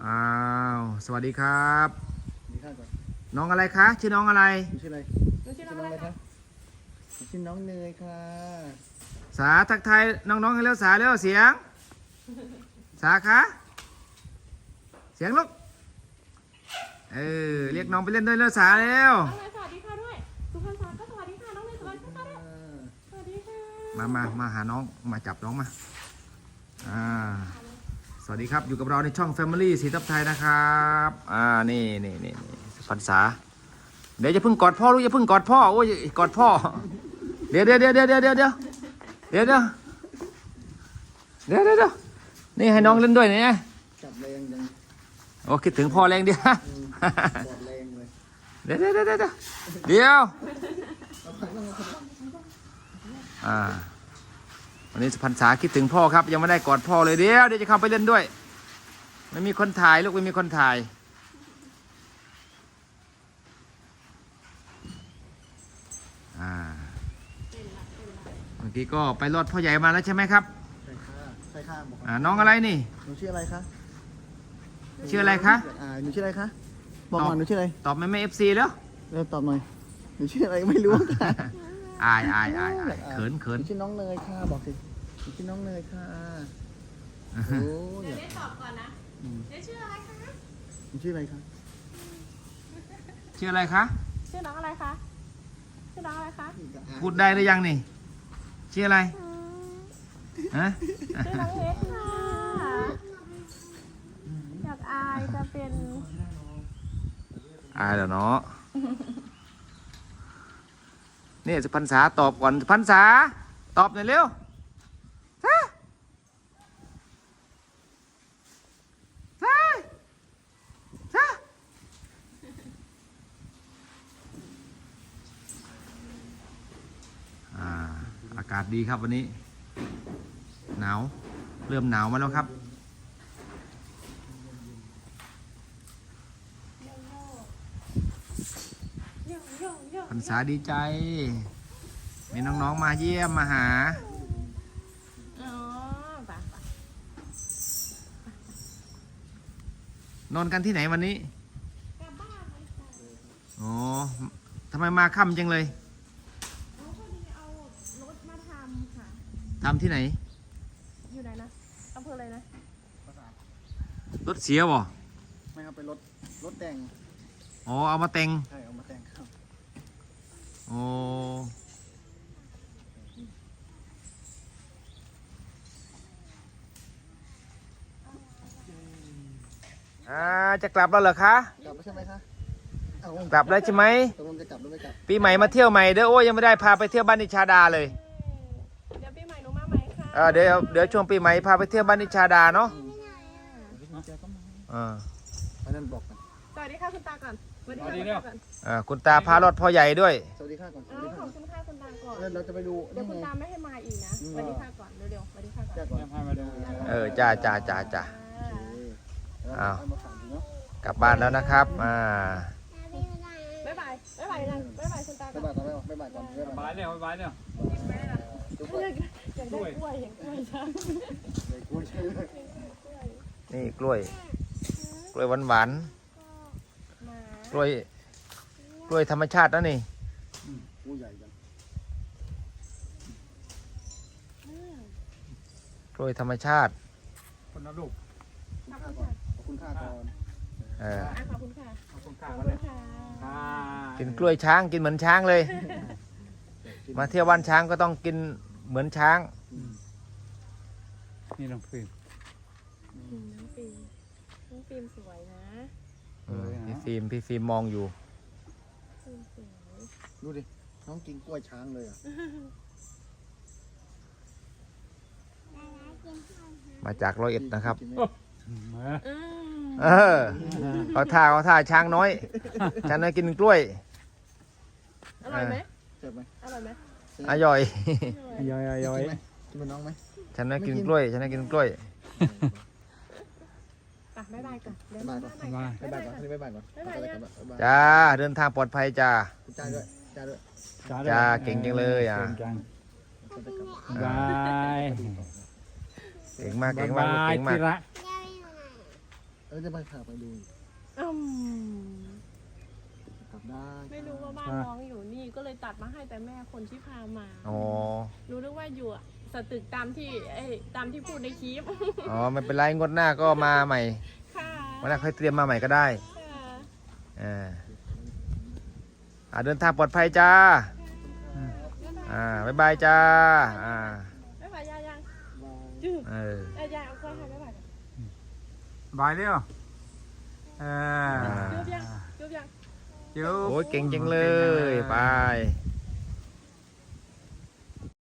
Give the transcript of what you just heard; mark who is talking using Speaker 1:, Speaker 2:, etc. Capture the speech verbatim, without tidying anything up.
Speaker 1: อ้าวสวัสดีครับ
Speaker 2: ดีข้าวก่อน
Speaker 1: น้องอะไรคะชื่อน้องอะไร
Speaker 2: ชื่ออะไรชื่อน้องอะไรคะชื่อน้องเนยค่ะ
Speaker 1: สาทักทายน้องๆให้เร็วสาเร็วเสียงสาคะเสียงลูกเออเรียกน้องไปเล่นด้วยเร็วสาเร็ว
Speaker 3: น้องเนยสวัสดีค่ะด้วยสุพรรณสาก็สวัสดีค่ะน้องเนยสวัสดีค่ะด้วยสวัสดีค่ะ
Speaker 1: มามามาหาน้องมาจับน้องมาอ่าสวัสดีครับอยู่กับเราในช่อง Family สีทับไทยนะครับอ่านี่นี่นี่นี่พรรษาเดี๋ยวจะพึ่งกอดพ่อลูกอย่าพึ่งกอดพ่อโอ้ยกอดพ่อเดี๋ยวเดี๋ยวเดี๋ยวเดี๋ยวเดี๋ยวเดี๋ยวเดี๋ยวเดี๋ยวเดี๋ยวเดี๋ยวเดี๋ยวนี่ให้น้องเล่นด้วยเนี่ย
Speaker 2: จับแรงจัง
Speaker 1: โอ้คิดถึงพ่อแรงเดียว
Speaker 2: จับแรงเลย
Speaker 1: เดี๋ยวเดี๋ยวเดี๋ยวเดี๋ยวเดี๋ยวอ่าวันนี้พรรษาคิดถึงพ่อครับยังไม่ได้กอดพ่อเลยเดี๋ยวเดี๋ยวจะเข้าไปเล่นด้วยไม่มีคนถ่ายลูกไม่มีคนถ่ายอ่าเมื่อกี้ก็ไปรอดพ่อใหญ่มาแล้วใช่ไหมครับ
Speaker 2: ใช่ค่ะใช่ค่ะบอก
Speaker 1: อ่าน้องอะไรนี่
Speaker 2: หนูชื่ออะไรคะ
Speaker 1: ชื่ออะไรคะ
Speaker 2: อ่าหนูชื่ออะไรคะบอกหน่อยหนูชื่ออะไร
Speaker 1: ตอบไม่ไม่เอฟซีแล้ว
Speaker 2: เริ่มตอบหน่อยหนูชื่ออะไรไม่รู้ค่ะ
Speaker 1: อายอายอายอายเขินเขิน
Speaker 2: ชื่อน้องเนยค่ะบอกสิชื่อน้องเนยค่ะโอ้
Speaker 3: เดี๋ยวได้ตอบก่อนนะเดี๋ยวชื่ออะไรคะ
Speaker 2: หนูชื่ออะไรคะ
Speaker 1: ชื่ออะไรคะ
Speaker 3: ชื่อน้องอะไรคะชื่อน้องอะไรคะ
Speaker 1: พูดได้หรือยังนี่ชื่ออะไรฮะ
Speaker 3: ชื่อน้องเล็กค่ะอยากอายจะเป็น
Speaker 1: อายแล้วเนาะนี่สุพรรษาตอบก่อนสุพรรษาตอบหน่อยเร็วฮะฮะฮะอ่าอากาศดีครับวันนี้หนาวเริ่มหนาวมาแล้วครับพรรษาดีใจมีน้องๆมาเยี่ยมมาหา
Speaker 3: อ๋อป่ะป่ะ
Speaker 1: นอนกันที่ไหนวันนี้
Speaker 3: กลับบ้านเลยค่ะ
Speaker 1: อ๋อทำไมมาค่ำจังเลย
Speaker 3: เขาพอดีเอารถมาทำค่ะ
Speaker 1: ทำที่ไหน
Speaker 3: อยู่ไหนนะอำเภออะไรนะ
Speaker 1: รถเสียบ่
Speaker 2: ไม่ครับเป็นรถรถแต่ง
Speaker 1: อ๋อเอามาแต่ง
Speaker 2: ใช่เอามาแต่งครับ
Speaker 1: โอ้อ่าจะกลับแล้วเหรอคะ
Speaker 2: กลับแล้วใช่ไหมคะ
Speaker 1: กลับแล้วใช่ไหม
Speaker 2: ตกลงจะกลับหรือไม่กลับ
Speaker 1: ปีใหม่มาเที่ยวใหม่เด้อโอ้ยยังไม่ได้พาไปเที่ยวบ้านนิชาดาเลย
Speaker 3: เดี๋ยวปีใหม่หนูมาไหมคะ
Speaker 1: เออเดี๋ยวเดี๋ยวช่วงปีใหม่พาไปเที่ยวบ้านนิชาดาเนาะอ่า
Speaker 2: อันนั้นบอกกัน
Speaker 3: สวัสดีค่ะคุณตาก่อนสวัสดีค่ะคุณตาก่อน
Speaker 1: อ่าคุณตาพารถพ่อใหญ่ด้วย
Speaker 2: สวัสดีค่ะก่อน
Speaker 3: อ๋อขอบคุณค่ะคุณตาก่อน
Speaker 2: เราจะไปดู
Speaker 3: เดี๋ยวคุณตาไม่ให้มาอีกนะสวัสดีค่ะก่อนเร็วๆสวัสดีค่ะก่อน
Speaker 2: พามาดู
Speaker 1: เออจ้าจ้าจ้าจ้าอ้าวกลับบ้านแล้วนะครับอ่า
Speaker 3: บ๊ายบายบ๊ายบายนะบ๊ายบายคุณตาก่อน
Speaker 2: บ๊ายบายก่อนบ๊ายบายก่อนบ๊ายบาย
Speaker 4: เนี่ยบ๊ายบายเนี่ย
Speaker 3: อยากได้กล้วยเห็นกล้วยช้าง
Speaker 1: นี่กล้วยกล้วยหวานหวานกล้วยกล้วยธรรมชาตินะนี่กล้วยธรรมชาติ
Speaker 4: คนละลูก
Speaker 2: ขอบคุณค่าก่อน
Speaker 1: เออ
Speaker 3: ขอบคุณค่ะ
Speaker 4: ขอบคุณค่า
Speaker 1: กินกล้วยช้างกินเหมือนช้างเลยมาเที่ยวบ้านช้างก็ต้องกินเหมือนช้าง
Speaker 4: นี่น้องฟิล์ม
Speaker 3: น้องฟิล์มน้องฟิล์มสวยนะ
Speaker 1: พี่ฟิล์มพี่ฟิล์มมองอยู่
Speaker 2: ดูดิน้องกินกล้วยช้างเลยอ่ะ
Speaker 1: มาจากร้อยเอ็ดนะครับ
Speaker 4: เอ
Speaker 1: อเขาท่าเขาท่าช้างน้อยช้างน้อยกินกล้วย
Speaker 3: อร่อยไหม
Speaker 2: เจ็บไหม
Speaker 3: อร่อยไหม
Speaker 1: อร่อย
Speaker 4: ย่อยย่อย
Speaker 2: กินเหมือนน้องไหม
Speaker 1: ช้างน้อยกินกล้วยช้างน้อยกินกล้วย
Speaker 3: บ๊ายบายก่อนบ๊าย
Speaker 2: บายก่อนบ๊ายบายก่อนบ๊ายบายก่อน
Speaker 1: จ้าเดินทางปลอดภัยจ้า
Speaker 2: จ้าด้วยจ้าด้วย
Speaker 1: จ้าเก่งจังเลยอ่ะ
Speaker 4: บาย
Speaker 1: เก่งมากเก่งมากเก่งมาก
Speaker 2: เออจะไปพาไปดู
Speaker 3: อืม
Speaker 2: กลับได้
Speaker 3: ไม่รู้ว่าบ้านน้องอยู่นี่ก็เลยตัดมาให้แต่แม่คนที่พามา
Speaker 1: อ๋อ
Speaker 3: รู้นึกว่าอยู่อะสตึกตามที่เอ้ยตามที่พูดในคลิป
Speaker 1: อ๋อไม่เป็นไรงวดหน้าก็มาใหม่
Speaker 3: ค่ะ
Speaker 1: วันหน้าค่อยเตรียมมาใหม่ก็ได้
Speaker 3: ค่ะ
Speaker 1: อ่าอ่าเดินทางปลอดภัยจ้าอ่าบ๊ายบายจ้าอ่า
Speaker 3: ไม่ไหวยายยัง
Speaker 2: บาย
Speaker 3: จืด
Speaker 1: เออ
Speaker 3: เอ้ยยายเอากล้วยให้ไม่ไหว
Speaker 4: บายเร็วเออ
Speaker 3: จุ๊บยังจุ๊บยัง
Speaker 4: จุ๊บ
Speaker 1: โอ้ยเก่งจังเลยไป
Speaker 4: เ